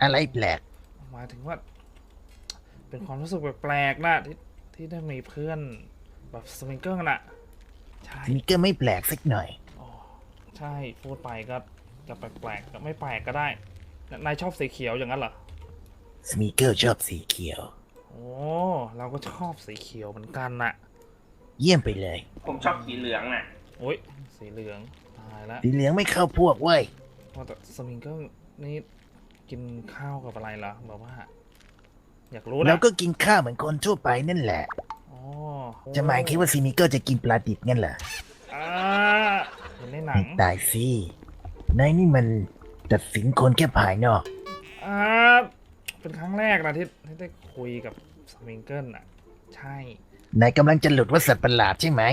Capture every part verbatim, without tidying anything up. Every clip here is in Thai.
อะไรแปลกหมายถึงว่าเป็นความรู้สึกแปลกๆนะที่ที่ได้มีเพื่อนแบบสมิงเกิลน่ะใช่สมิเกอร์ไม่แปลกสักหน่อยอ๋อใช่พูดไปก็จะแปลกๆก็ไม่แปลกก็ได้นายชอบสีเขียวอย่างนั้นเหรอสมิเกอร์ชอบสีเขียวโอ้เราก็ชอบสีเขียวเหมือนกันน่ะเยี่ยมไปเลยผมชอบสีเหลืองน่ะโอ้ยสีเหลืองตายแล้วสีเหลืองไม่เข้าพวกเว้ยแต่สมิงเกิลนี่กินข้าวกับอะไรล่ะแบบว่าอยากรู้นะเราก็กินข้าวเหมือนคนทั่วไปนั่นแหละอ๋อจะหมายคิดว่าสมิเกอร์จะกินปลาดิบงั้นเหรออ่าเห็นในหนังตายสินายนี่มันตัดสินคนแค่ภายนอกอ่าเป็นครั้งแรกนะที่ที่ได้คุยกับสมิงเกิลอ่ะใช่นายกำลังจะหลุดว่าสัตว์ประหลาดใช่ไหม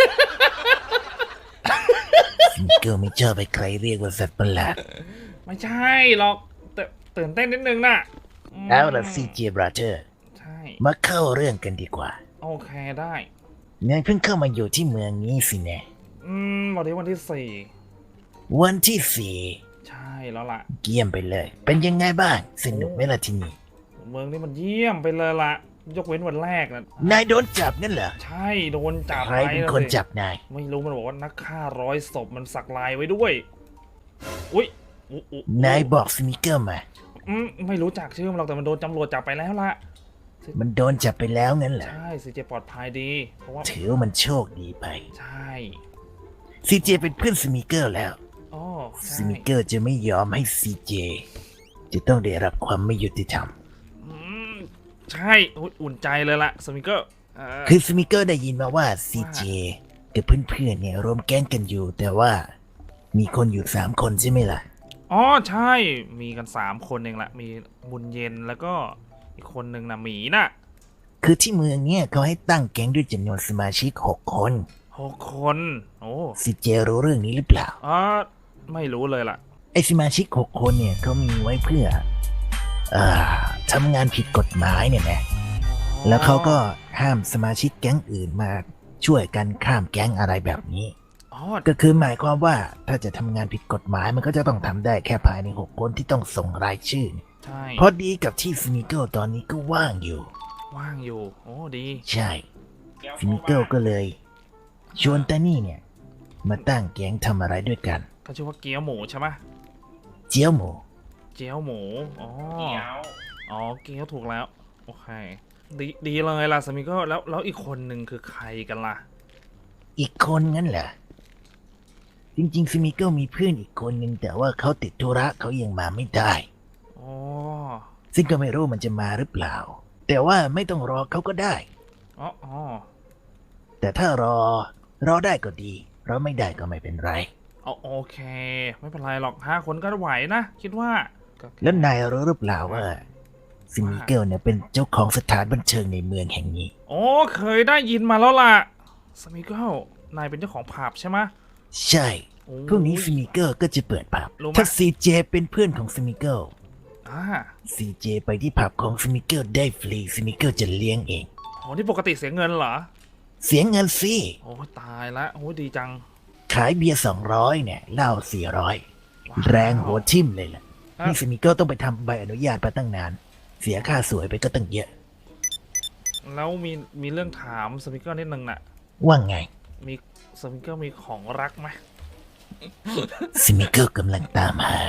สมิเกอร์ไม่ชอบไปใครเรียกว่าสัตว์ประหลาดไม่ใช่หรอกแต่ตื่นเต้นนิดนึงน่ะเอาล่ะซีเจบราเธอร์ใช่มาเข้าเรื่องกันดีกว่าโอเคได้นายเพิ่งเข้ามาอยู่ที่เมืองนี้สิแน่อืมวันนี้วันที่สี่วันที่สี่ใช่แล้วล่ะเยี่ยมไปเลยเป็นยังไงบ้างสนุกไหมล่ะที่นี่เมืองนี้มันเยี่ยมไปเลยล่ะยกเว้นวันแรกนะนายโดนจับนั่นเหรอใช่โดนจับใครเป็นคนจับนายไม่รู้มันบอกว่านักฆ่าร้อยศพมันสักลายไว้ด้วยอุ้ยนายบอกสมิเกอร์มาอืมไม่รู้จักชื่อมันหรอกแต่มันโดนตำรวจจับไปแล้วล่ะมันโดนจับไปแล้วงั้นเหรอใช่ซีเจปลอดภัยดีเพราะว่าถือว่ามันโชคดีไปใช่ซีเจเป็นเพื่อนสมิเกอร์แล้วอ๋อสมิเกอร์จะไม่ยอมให้ซีเจจะต้องได้รับความไม่ยุติธรรมใช่อุ่นใจเลยล่ะสมิเกอร์คือสมิเกอร์ได้ยินมาว่าซีเจกับเพื่อนๆเนี่ยรวมแก๊งกันอยู่แต่ว่ามีคนอยู่สามคนใช่ไหมล่ะอ๋อใช่มีกันสามคนเองแหละมีบุญเย็นแล้วก็อีกคนหนึ่งนะหมีน่ะคือที่เมืองเนี่ยเขาให้ตั้งแก๊งด้วยจำนวนสมาชิกหกคนหกคนโอ้ซีเจรู้เรื่องนี้หรือเปล่าอ๋อไม่รู้เลยล่ะไอสมาชิกหกคนเนี่ยเขามีไว้เพื่ออ่าทำงานผิดกฎหมายเนี่ยนะแล้วเขาก็ห้ามสมาชิกแก๊งอื่นมาช่วยกันข้ามแก๊งอะไรแบบนี้ก็คือหมายความว่าถ้าจะทำงานผิดกฎหมายมันก็จะต้องทำได้แค่ภายในหกคนที่ต้องส่งรายชื่อใช่พอดีกับที่สมิเกิลตอนนี้ก็ว่างอยู่ว่างอยู่โอ้ดีใช่สมิเกิลก็เลยชวนตานี่เนี่ยมาตั้งแก๊งทำอะไรด้วยกันเขาชื่อว่าเกี๊ยวหมูใช่ไหมเจียวหมูเจียวหมูอ๋ออ๋อเกี๊ยวถูกแล้วโอเคดีดีเลยล่ะสมิเกิลแล้วแล้วอีกคนหนึ่งคือใครกันล่ะอีกคนงั้นเหรอจริงๆสมิเกิลมีเพื่อนอีกคนหนึ่งแต่ว่าเขาติดธุระเขายังมาไม่ได้อ๋อซึ่งก็ไม่รู้มันจะมาหรือเปล่าแต่ว่าไม่ต้องรอเขาก็ได้อ๋ออ๋อแต่ถ้ารอรอได้ก็ดีรอไม่ได้ก็ไม่เป็นไรอ๋อโอเคไม่เป็นไรหรอกห้าคนก็ไหวนะคิดว่าแล้วนายรู้หรือเปล่าว่าสมิเกิลเนี่ยเป็นเจ้าของสถานบันเทิงในเมืองแห่งนี้โอ้เคยได้ยินมาแล้วล่ะสมิเกิลนายเป็นเจ้าของผับใช่ไหมใช่พรุ่งนี้สมิเกิลก็จะเปิดผับถ้าซีเจเป็นเพื่อนของสมิเกิลซีเจไปที่ผับของสมิเกิลได้ฟรีสมิเกิลจะเลี้ยงเองโอ้นี่ปกติเสียเงินเหรอเสียเงินสิโอ้ตายละโอ้ดีจังขายเบียร์สองร้อยเนี่ยเหล้าสี่ร้อยแรงหัวทิ่มเลยล่ะนี่สมิเกิลต้องไปทำใบอนุญาตมาตั้งนานเสียค่าสวยไปก็ตั้งเยอะแล้วมีมีเรื่องถามสมิเกิลนิดนึงน่ะว่าไงมีสมิเกิลมีของรักไหมสมิเกิลกำลังตามหา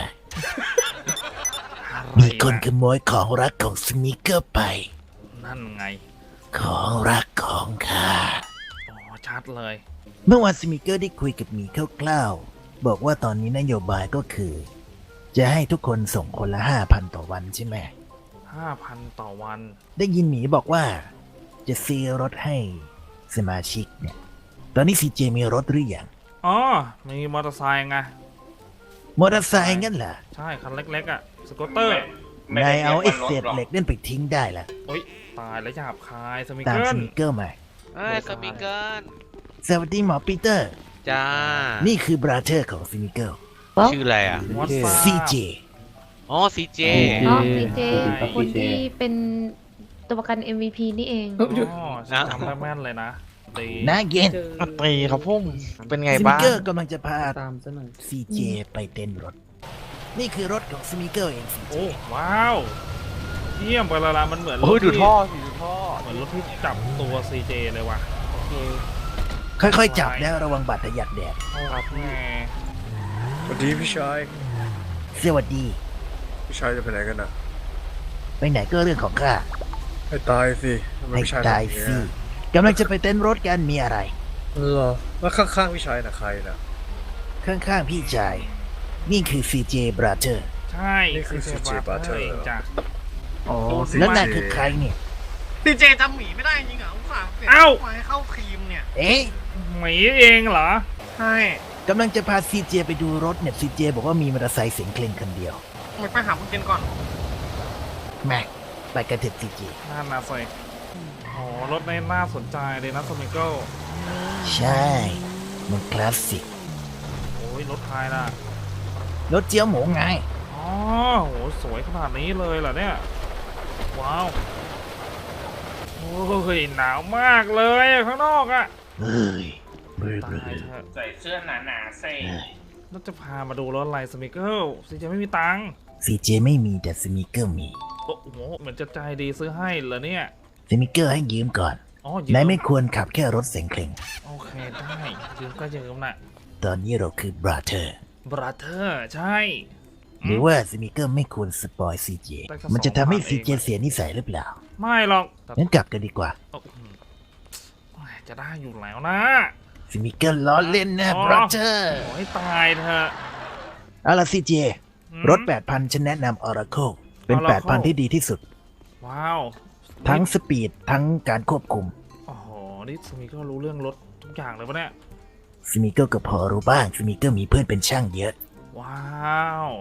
มีคนขโมยของรักของสมิเกิลไปนั่นไงของรักของข้าอ๋อชัดเลยเมื่อวานสมิเกิลได้คุยกับหมีคร่าวๆบอกว่าตอนนี้นโยบายก็คือจะให้ทุกคนส่งคนละห้าพันต่อวันใช่ไหมห้าพันต่อวันได้ยินหมีบอกว่าจะซื้อรถให้สมาชิกเนี่ยตอนนี้ซีเจมีรถหรือยังอ๋อมีมอเตอร์ไซค์ไงมอเตอร์ไซค์งั้นเหรอใช่คันเล็กๆอ่ะสกูตเตอร์นายเอาไอ้เศษเหล็กนั่นไปทิ้งได้ละโอ๊ยตายแล้วหยาบคายสมิเกิลตามสมิเกิลมาเอ้ยสมิเกิลสวัสดีหมอปีเตอร์จ้านี่คือบราเธอร์ของสมิเกิลชื่ออะไรอ่ะซีเจอ๋อซีเจอ๋อซีเจคนที่เป็นตัวประกัน เอ็ม วี พี นี่เองอ๋อจำได้แม่นเลยนะตีน่าเย็นตีครับพุ่มเป็นไงบ้างสมิเกิลกำลังจะพาตามซะหน่อยซีเจไปเต้นรถนี่คือรถของสมิเกิลเองสิโอ้ว้าวเยี่ยมไปละละมันเหมือนรโอ้ยถดูที่ท่อสิดูท่อเหมือนรถที่จับตัว ซี เจ เลยว่ะโอเคค่อยๆจับแล้วระวังบาดทะยักแดดโอ้แหมสวัสดีพี่ชายสวัสดีพี่ชายจะไปไหนกันอ่ะไปไหนก็เรื่องของข้าให้ตายสิทำไมให้พี่ชายตายทำองสินี้กำลังจะไปเต้นรถกันมีอะไรเหรอแล้วข้างๆพี่ชายน่ะใครน่ะข้างๆพี่ชาย นี่คือ ซี เจ Brother ใช่นี่คือ ซี เจ Butter เองจ้ะอ๋อแล้วนายคือใครเนี่ยซีเจจำหมีไม่ได้จริงเหรออุตส่าห์เปลี่ยนเอ้ามาให้เข้าทีมเนี่ยเอ๊ะหมีเองเหรอใช่กำลังจะพา ซี เจ ไปดูรถเนี่ย ซี เจ บอกว่ามีมอเตอร์ไซค์เสียงเคร่งคันเดียวไปไปหาคุณเจนก่อนแม่ไปกันเถอะ ซี เจน่านาใส่โอ้รถในน่าสนใจเลยนะสมิเกิลใช่ มันคลาสสิกโอ้ยรถไทยล่ะรถเจี๊ยวหมูไงอ๋อโหสวยขนาดนี้เลยเหรอเนี่ย ว้าว โอ้ยหนาวมากเลยอะข้างนอกอะเฮ้ยเบลอตาเบลยอเถอะใส่เสื้อหนาๆใส่แล้วจะพามาดูรถอะไรสมิเกิลซีเจไม่มีตังค์ซีเจไม่มีแต่สมิเกิลมีโอ้โหเหมือนจะใจดีซื้อให้เหรอเนี่ยสมิเกิลให้ยืมก่อนอ๋อยืมนายไม่ควรขับแค่รถเสียงเคร่งโอเคได้ยืมก็ยืมน่ะตอนนี้เราคือ Brother บราเธอร์ใช่หรือว่าสมิเกิลไม่ควรสปอย ซี เจได้แค่มันจะทำให้สองพันซี เจเองเสียนิสัยหรือเปล่าไม่หรอกแต่งั้นกลับกันดีกว่าโอ้โหจะได้อยู่แล้วนะสมิเกิลล้อเล่นนะอ๋อ Brother ขอให้ตายเถอะเอาล่ะ ซี เจอืมรถ แปดพัน ฉันแนะนำ Oracle เป็น Oracle แปดพัน ที่ดีที่สุดว้าวทั้งสปีด ทั้งการควบคุมโอ้โหนี่สมิก็รู้เรื่องรถทุกอย่างเลยปะเนี่ยสมิเกิลก็พอรู้บ้างสมิเกิลมีเพื่อนเป็นช่างเยอะว้าว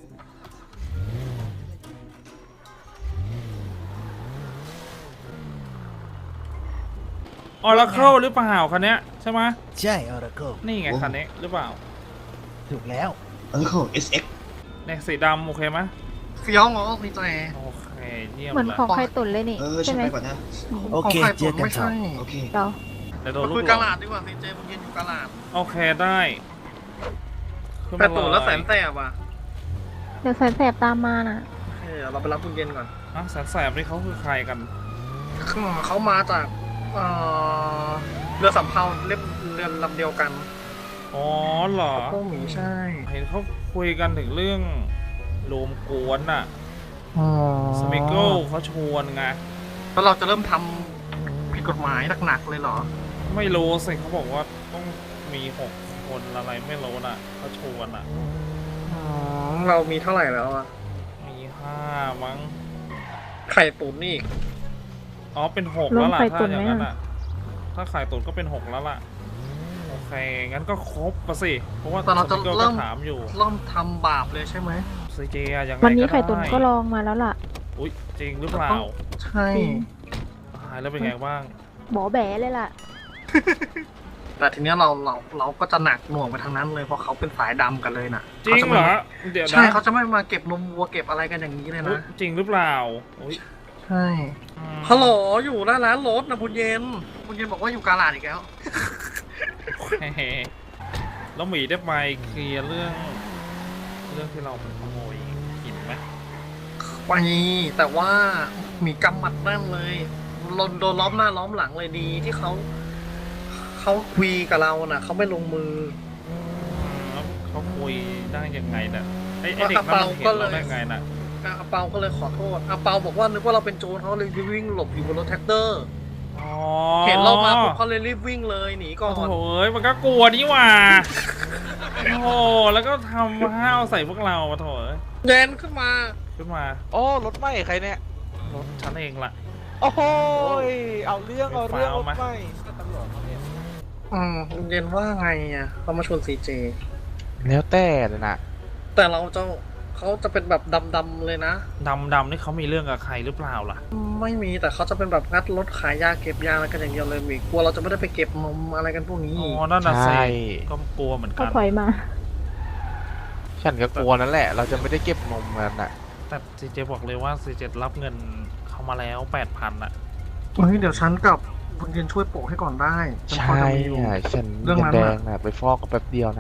ออร์เคิลหรือเปล่าคันเนี้ยใช่ไหมใช่ Oracle นี่ไงคันนี้หรือเปล่าถูกแล้ว Oracle เอส เอ็กซ์เนี่ยสีดำโอเคไหมเฟี้ยวเหรอซีเจโอเคเยี่ยมเหมือนเลยของใครตุนเลยนี่เออใช่ฉันไหมไปก่อนนะโอเคของใครเจอกันไม่ต่อใช่โอเคเราเดี๋ยวโดนมาลูคุยกหลกาง ลาดดีกว่าซีเจผมยืนอยู่กาลาดโอเคได้ขึ้นแต่มาตู่เยแล้วแสนแสบอ่ะเดี๋ยวแสนแสบตามมาน่ะเออเราไปรับคุณเจนก่อนอ่ะแสนแสบนี่เขาคือใครกันเขามาจากเอ่อเรือสำเภาเล่มเรือลำเดียวกันอ๋อเหรอพวกหมีใช่เห็นเขาคุยกันถึงเรื่องรวมกวนน่ะอ๋อสมิเกิลเขาชวนไงแล้วเราจะเริ่มทำผิดกฎหมายหนักๆเลยเหรอไม่รู้สิเขาบอกว่าต้องมีหกคนอะไรไม่รู้น่ะเขาชวนอ่ะอ๋อเรามีเท่าไหร่แล้วอะมีห้ามั้งไข่ตุ๋นนี่อีกอ๋อเป็นหกรวแล้มวล่ะไข่ถ้าตุ๋นอไหมย่างนั้นอ่ะอ่ะ ถ้าไข่ตุ๋นก็เป็นหกแล้วล่ะ โอเค งั้นก็ครบปะสิ เพราะว่าแต่เราจะสมิกิลเริ่ก็มถามอยู่เริ่มทำบาปเลยใช่ไหมซีเจอะยังไงวันนี้ก็ไข่ตุนได้ก็ลองมาแล้วล่ะอุ้ยจริงหรือเปล่าใช่จริงตายแล้วเป็นไงบ้างบอแบ๋เลยล่ะแต่ทีเนี้ยเราเราเราก็จะหนักหน่วงไปทางนั้นเลยเพราะเขาเป็นสายดำกันเลยน่ะจริงเหรอ เดี๋ยวใช่นะเขาจะไม่มาเก็บนมวัวเก็บอะไรกันอย่างนี้เลยอุ๊ยนะจริงหรือเปล่าอุ้ยใช่อืมฮัลโหลอยู่หน้าร้านรถนะคุณเย็นคุณเย็นบอกว่าอยู่กาลาดอีกแล้วโอเคแล้วหมีได้ไปเคลียร์เรื่อง เรื่องที่เราไปขโมยหินไหมไปแต่ว่ามีกำหมัดแน่นเลยโดนโดนล้อมหน้าล้อมหลังเลยดีที่เขาเขาคุยกับเราน่ะเขาไม่ลงมืออืมแล้วเขาคุยได้ยังไงน่ะไอไอเด็กนั้นมันเห็นเราได้ไงน่ะอาเปาก็เลยขอโทษอาเปาบอกว่านึกว่าเราเป็นโจรเขาเลยวิ่งหลบอยู่บนรถแท็กเตอร์อ๋อเห็นเรามาปุ๊บเขาเลยรีบวิ่งเลยหนีก่อโอ้นโหเอ้ยมันก็กลัวนี่หว่าโอ้โหแล้วก็ทำห้าวใส่พวกเราปะโถเอ้ยเย็นขึ้นมาขึ้นมาโอ้รถไหม้ใครเนี่ยรถฉันเองล่ะโอ้โหยเอาเรื่องเอาเรื่องเอารถมาไหม้ตำรวจมาเนี่ยอืมเย็นว่าไงอ่ะเขามาชวนซีเจแล้วแต่เลยนะแต่เราจะเขาจะเป็นแบบดำๆเลยนะดำดำนี่เขามีเรื่องกับใครหรือเปล่าล่ะไม่มีแต่เขาจะเป็นแบบงัดรถขายยาเก็บยาอะไรกันอย่างเดียวเลยมีกลัวเราจะไม่ได้ไปเก็บนมอะไรกันพวกนี้อ๋ออีกนั่นน่ะสิใช่ก็กลัวเหมือนเขากันถอยมาฉันก็กลัวนั่นแหละ เราจะไม่ได้เก็บนมกันอ่ะแต่ซีเจบอกเลยว่าซีเจรับเงินเขามาแล้วแปดพันอ่ะเฮ้ยเดี๋ยวฉันกับคุณเย็นช่วยโปะให้ก่อนได้ฉันพอใช่จะมีอยู่อ่ะฉันเรื่องเงินั้น นแดน่ะงอ่ะไปฟอกก็แป๊บเดียวนะ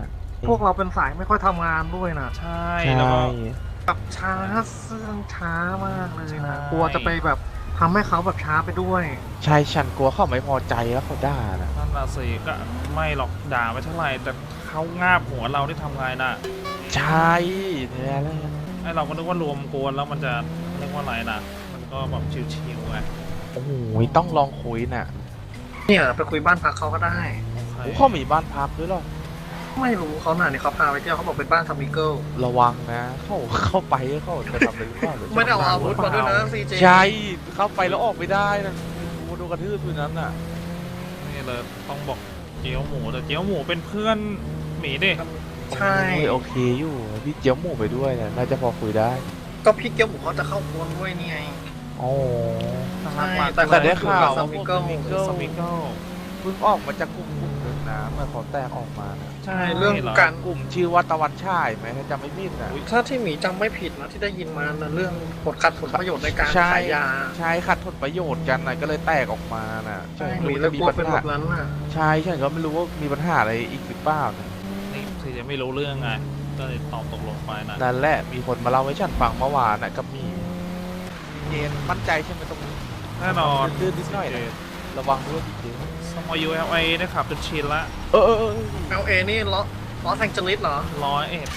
พวกเราเป็นสายไม่ค่อยทำงานด้วยนะใช่ใช่แล้วก็แบบช้าเสื่องช้ามากเลยใช่นะกลัวจะไปแบบทำให้เขาแบบช้าไปด้วยใช่ฉันกลัวเขาไม่พอใจแล้วเขาด่านะนั่นน่ะสิก็ไม่หรอกด่าไม่เท่าไหร่แต่เขางาบหัวเราที่ทำไงน่ะใช่เนี่ยแหละไอเราก็นึกว่ารวมกวนแล้วมันจะเรียกว่าอะไรน่ะ มันก็แบบชิวๆไงโอ้โหต้องลองคุยน่ะเนี่ยไปคุยบ้านพักเขาก็ได้ใครโอ้เขามีบ้านพักด้วยเหรอไม่รู้เขาหน่ะเนี่ยเขาพาไปเที่ยวเขาบอกเป็นบ้านทามิเกิลระวังนะ เข้าเข้าไปเขาจะทำอะไรหรือเปล่าไม่ได้เอาอาวุธมาด้วยนะซีเจใช่เข้าไปแล้วออกไม่ได้นะโดนกระทืบด้วยนั้นน่ะนี่เลยต้องบอกเจียวหมูแต่เจียวหมูเป็นเพื่อนหมีดิใช่โอ้ยโอเคอยู่พี่เจียวหมูไปด้วยเนี่ยน่าจะพอคุยได้ก็พี่เกียวหมูเขาจะเข้ากวนด้วยนี่ไงโอ้ใช่แต่แต่ได้ข่าวสมิเกิลสมิเกิลสมิเกิลเพิ่งออกมาจากกลุ่มกลุ่มหนึ่งนะเมื่อเขาแตกออกมานะใช่เรื่องหการกลุ่มชื่อว่าตะวันฉายไหมถ้าจำไม่ผิดนะถ้าที่หมีจำไม่ผิดนะที่ได้ยินมานะเรื่องผลขัดผลประโยชน์ในการใช่ขายยาใช่ขัดผลประโยชน์กันนะก็เลยแตกออกมาน่ะใช่ฉันหมีไม่เลยรู้กลัวจะมีเป็นปัญแบหาบนั้นน่ะใช่ฉันก็ไม่รู้ว่ามีปัญหาอะไรอีกหรือเปล่านะนี่คือจะไม่รู้เรื่องไงก็เลยตอบตกลงไปนะนั่นแหละมีคนมาเล่าให้ฉันฟังเมื่อวานน่ะกับมีเจนมั่นใจใช่ไหมตรงนี้แน่นอนดื้อนิดหน่อยนะระวังด้วยจริงสมอยูเอลไอได้ขับจนชินละๆเออเออเออเอลเอนี่ลอลอสแองเจลิสเหรอร้อยเอ็ด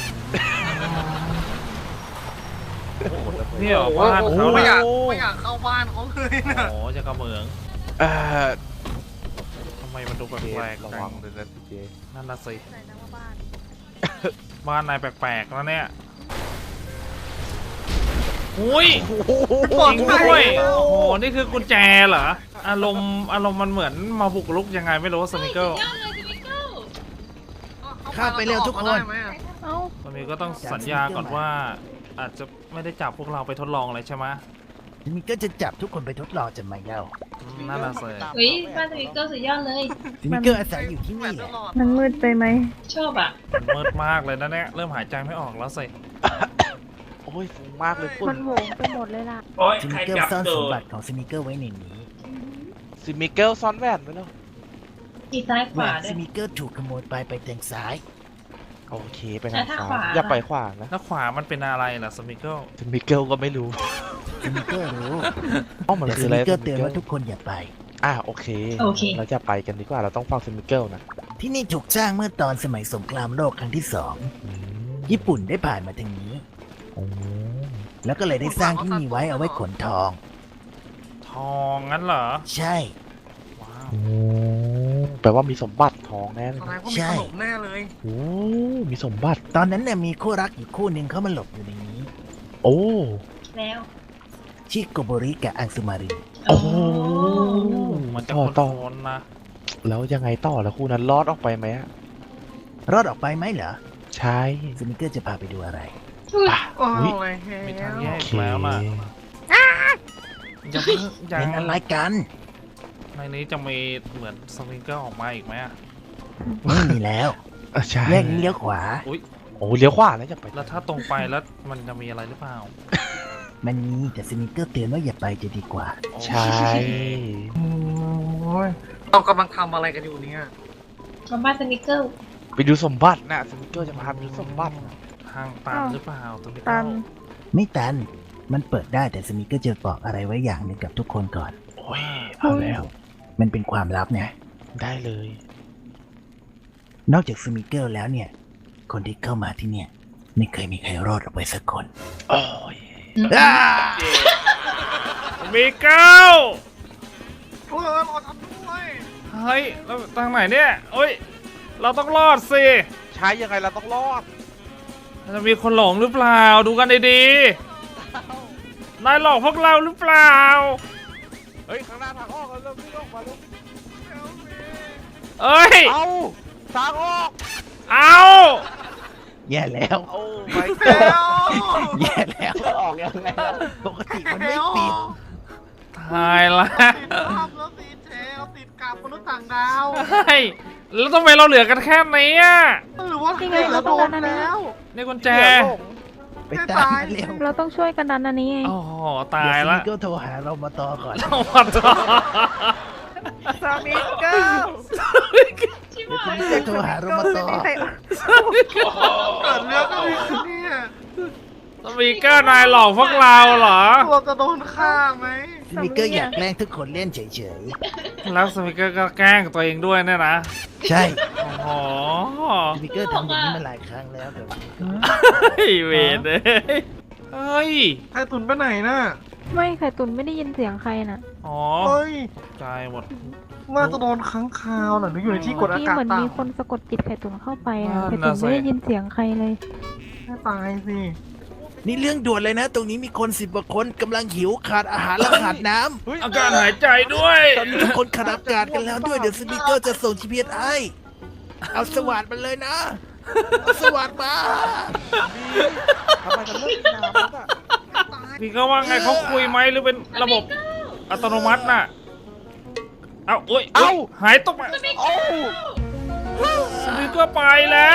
โอ้โหนี่เหรอโอ้โหบ้านเขาไม่น่ะอยากไม่อยากเข้าบ้านเขาเลยนะโอ้จะกระเหมืองเออทำไมมันดูแปเจลกนๆระจัวังงเลยนะเจนนั่นน่ะสิบ้านนายแปลกๆแล้วเนี่ยอุ้ยจริงด้วยโอ้โหนี่คือกุญแจเหรออารมณ์อารมณ์มันเหมือนมาบุกรุกยังไงไม่รู้สมิเกิลเข้าไปเร็วทุกคนเอ้าสมิเกิลต้องสัญญาก่อนว่า อาจจะไม่ได้จับพวกเราไปทดลองอะไรใช่ไหมมันก็จะจับทุกคนไปทดลองจะไม่เล่าอืมนั่นน่ะสิเฮ้ยบ้านสมิเกอร์สุดยอดเลยซิมิเกอร์อาศัยอยู่ที่นี่แหละมันมืดไปไหมชอบอ่ะมันมืดมากเลยนะเนี่ยเริ่มหายใจไม่ออกแล้วสิโอ้ยฟุ้งมากเลยฝุ่มัน นโหวงไปหมดเลยล่ะซิมิเกอร์ซ่อนสมบัติของซิมิเกอร์ไว้ในนี้ซิมิเกลซ่อนแหวนไว้แล้วอีซ้ายขแหววาน ด้วซิยมิเกอร์ถูกขโมยไปไปทางซ้ายโอเคไปทางแล้วถ้าซ้าขวายอย่าไปขวานะแล้วขวามันเป็นอะไรล่ะสมิเกิลซิมิเกลก็ไม่รู้ซิมิเกอร์รู้อ๋อมันแต่คืซิออะไรมิเกอร์เตือนว่าทุกคนอย่าไปอ่ะโอเคโอเคเราจะไปกันดีกว่าเราต้องฟังซิมิเกลนะที่นี่ถูกสร้างเมื่อตอนสมัยสงครามโลกครั้งที่สองอืมญี่ปุ่นได้ผ่านมาทางนี้โอ้แล้วก็เลยได้สร้างที่นี่ไว้เอาไว้ขนทองทองงั้นเหรอใช่ว้าวโอ้แปลว่ามีสมบัติทองแน่เลยแสดนะงว่ามีขนมแน่เลยโอ้มีสมบัติตอนนั้นเนี่ยมีคู่รักอยู่คู่หนึ่งเขามาหลบอยู่ในนี้โอ้แล้วชิโกโบริกับอังสุมาริโอ้มันจะต่อคต่อนๆนะแล้วยังไงต่อแล้วคู่นั้นรอดออกไปไหมอะรอดออกไปไหมเหรอใช่ซิมิเกอร์จะพาไปดูอะไรอ่ะโอ้อุ๊ยยเฮ้ยมีทางแยโอก เคแล้วล่ะยังเพิ่งยังเป็นอะไรกันในนี้จะมีเหมือนสมิเกิลออกมาอีกไหมอะไม่มีแล้วอ่ะใช่แยกนี้เลี้ยวขวาอุ้ยโอ้เลี้ยวขวาแล้วจะไปแล้วถ้าตรงไปแล้วมันจะมีอะไรหรือเปล่ามันมีแต่ซิมิเกอร์เตือนว่าอย่าไปจะดีกว่าใช่โอ้ยเรากำลังทำอะไรกันอยู่เนี่ยกับบ้านสมิเกอร์ไปดูสมบัตินะซิมิเกลจะพาไปดูสมบัตินะทางตันหรือเปล่าสมิตัเกิลนไม่ตัน มันเปิดได้แต่ซิมิเกอร์จะบอกอะไรไว้อย่างหนึ่งกับทุกคนก่อนโอ้ยเอาแล้วมันเป็นความลับไงได้เลยนอกจากซิมิเกอร์แล้วเนี่ย คนที่เข้ามาที่เนี่ย ไม่เคยมีใครรอดออกไปสักคนโอ้ยสมิเกิลเออเราทำด้วยเฮ้ยแล้วทางไหนเนี่ยเอ้ย เราต้องรอดสิใช้ยังไงเราต้องรอดจะมีคนหลงหรือเปล่า ดูกันดีๆนายหลอกพวกเราหรือเปล่าเฮ้ยข้างหน้าทางออกเราเริ่มวิ่งออกมาแล้วเอ้ยเอาทางออกเอาแย่แล้วโอ้ไม่เฮ้ยแย่แล้วออกยังไงล่ะปกติมันไม่ปิดตายละติดภาพแล้วติดเทเราติดกับมนุษย์ต่างดาวเฮ้ยแล้วทำไมเราเหลือกันแค่นี้อ่ะหรือว่านี่ไงเราเราโดต้องนการอันนี้แล้วนี่กุญแจไปตามมาเร็วเราต้องช่วยกันดันอันนี้ไงโอ้โหตายละเดี๋วซิมิเกอร์โทรหาเรามาต่อก่อนเอามาต่อสามีเก้าเดี๋ยวสมิเกอร์โทรหาโรมาโตเกิดเรื่องอะไรขึ้นเนี่ยสปีกเกอร์นายหลอกพวกเราเหรอเราจะโดนฆ่าไหมสมิเกอร์อยากแกล้งทุกคนเล่นเฉยแล้วสปีกเกอร์ก็แกล้งตัวเองด้วยเนี่ยนะๆ ใช่โอ้โหสมิเกอร์ทำอย่างนี้มาหลายครั้งแล้วแต่ว่าเฮ้ยเวรเลยเฮ้ยไข่ตุนไปไหนน่ะไม่ไข่ตุนไม่ได้ยินเสียงใครน่ะอ๋อเฮ้ยใจหมดน่าจะโดนค้างคาวน่ะหรืออยู่ในที่กดอาที่กาศเหมือนต่ำมีคนสะกดจิตไข่ตุนเข้าไปนะนั่ไข่นตุน่ะนสิไม่ได้ยินเสียงใครเลยน่าตายสินี่เรื่องด่วนเลยนะ ตรงนี้มีคนสิบกว่าคนกำลังหิวขาดอาหารและขาดน้ำอาการหายใจด้วยตอนนี้ทุกคนขาดอากาศกันแล้วด้วยเดี๋ยวสมิเกอร์จะส่ง จี พี เอส ให้เอาสวัสดมันเลยนะเอาสวัสดมาทำไมมันเลิกน้ำแล้วอ่ะพี่ก็ว่าไงเขาคุยไหมหรือเป็นระบบอัตโนมัติน่ะ เอาโอ้ยเอ้าหายตกมาเอ้าสปีกเกอร์ไปแล้ว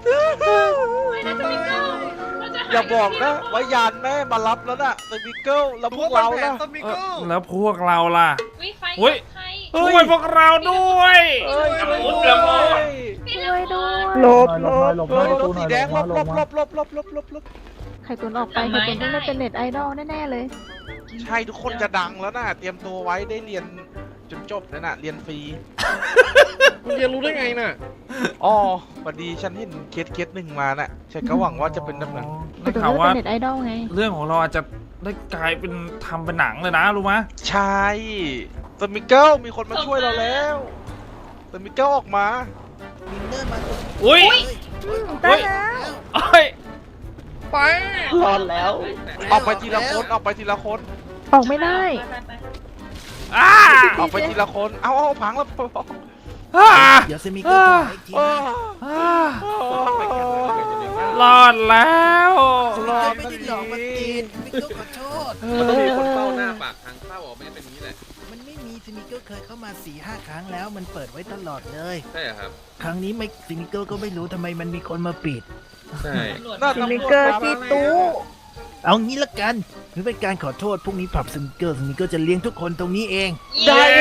อย่าบอกนะว่ายานแม่มารับแล้วน่ะสปิเกิลแล้วพวกเราล่ะสมิเอเกิอลแล้วพวกเราล่ะวิไฟเฮ้ยใครช่วยพวกเราด้วยเอ้ยช่วยด้วยช่วยด้วยหลบหลบหลบรถสีแดงหลบหลบหลบหลบหลบหลบหลบหลบไข่ตุนออกไปไข่ตุนต้องได้เป็นเน็ตไอดอลแน่ๆเลยใช่ทุกคนจะดังแล้วน่ะเตรียมตัวไว้ได้เรียนจนจบแล้วน่ะเรียนฟรีคุณเรียนรู้ได้ไงน่ะอ๋อพอดีฉันเห็นเคสเคสหนึ่งมาน่ะฉันก็หวังว่าจะเป็นแบบนั้นไข่ได้ตุนข่าวได้ว่าเป็นเน็ตไอดอลไงเรื่องของเราอาจจะได้กลายเป็นทำเป็นหนังเลยนะรู้ไหมใช่สมิเกิลมีคนมาช่วยเราแล้วสมิเกิลออกมาวินเนอร์มาตรงนี้อุ้ยเลยเฮ้ยเอ้ยไปรอดแล้วออกไปทีละคนออกไปทีละคนออกไม่ได้ไปไปอ้าออกไปทีละคน เอาเอาพังแล้วอ้าเดี๋ยวสมิเกอร์โทรหาอีกทีอ้านะอ้ารอดแล้วสมิเกอร์ไม่ได้หลอกมาตีนสมิเกอร์ขอโทษมันต้องมีคนเฝ้าหน้าปากทางเข้าอ่ะไม่งั้นเป็นอย่างนี้แหละมันไม่มีสมิเกอร์เคยเข้ามาสี่ห้าครั้งแล้วมันเปิดไว้ตลอดเลยใช่เหรอครับครั้งนี้ไม่สมิเกอร์ก็ไม่รู้ทำไมมันมีคนมาปิดใช่ตำรวจน่ามาตำรวจมาแล้วเอางี้ละกันถือเป็นการขอโทษพรุ่งนี้ปรับสมิเกอร์สมิเกอร์จะเลี้ยงทุกคนตรงนี้เองได้เลย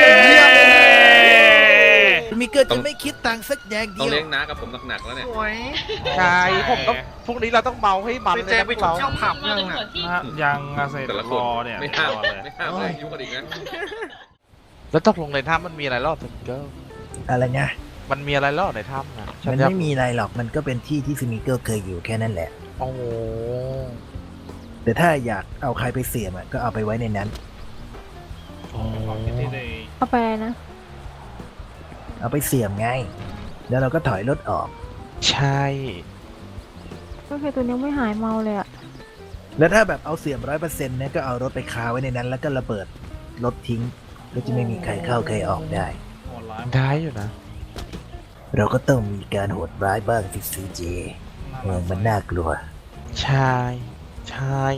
สมิเกอร์จะไม่คิดตังค์สักแดงต้อเดีงยวเลี้ยงน้ากับผมหนักๆแล้วเนี่ยสวยใช่ผมต้องพรุ่งนี้เราต้องเมาให้มันไปเลยแจนะไปพวกจุดเราเที่ยวผับมายังตำรอ่ะวจที่ฮะยังอาเซแต่ละครนอเนี่ยไม่ห้ามรอเลยไม่ห้ามเลยยุ่งกันอีกนะแล้วตกลงในถ้ำมันมีอะไรรอดสมิเกิลอะไรนะมันมีอะไรรอดในถ้ำนะฉัมันอยากไม่มีอะไรหรอกมันก็เป็นที่ที่สมิเกอร์เคยอยู่แค่นั้นแหละโอ้โหแต่ถ้าอยากเอาใครไปเสี่ยมอะก็เอาไปไว้ในนั้นความคิดที่ดีเอาไปอะไรนะเอาไปเสี่ยมไง แล้วเราก็ถอยรถออกใช่ก็ไข่ตุนยังไม่หายเมาเลยอะแล้วถ้าแบบเอาเสี่ยมร้อยเปอร์เซ็นต์เนี่ยก็เอารถไปคาไว้ในนั้น แล้วก็ระเบิดรถทิ้ง ก็จะไม่มีใครเข้าใครออกได้โหดร้ายได้อยู่นะเราก็ต้องมีการโหดร้ายบ้างสิซีเจเมืองมันน่ากลัวใช่ใช่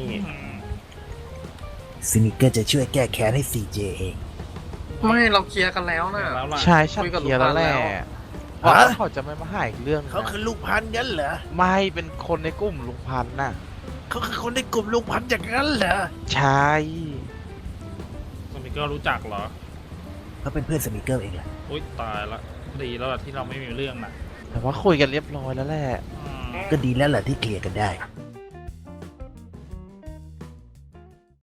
ซิมิเกอร์จะช่วยแก้แค้นให้ซีเจเองไม่เราเคลียร์กันแล้วน่ะแล้วล่ะใช่ฉันคุยกับเคลียร์แล้วแหละลูกบ้านแล้วว่าฮะเขาจะไม่มาหาอีกเรื่องเขาคือลูกพันงั้นเหรอไม่เป็นคนในกลุ่มลุงพันธุ์น่ะเขาคือคนในกลุ่มลูกพันอย่างนั้นเหรอใช่สมิเกอร์รู้จักเหรอเขาเป็นเพื่อนสมิเกอร์เองแหละอุ้ยตายละ ดีแล้วล่ะที่เราไม่มีเรื่องน่ะแต่ว่าคุยกันเรียบร้อยแล้วแหละอืมก็ดีแล้วแหละที่เคลียร์กันได้อ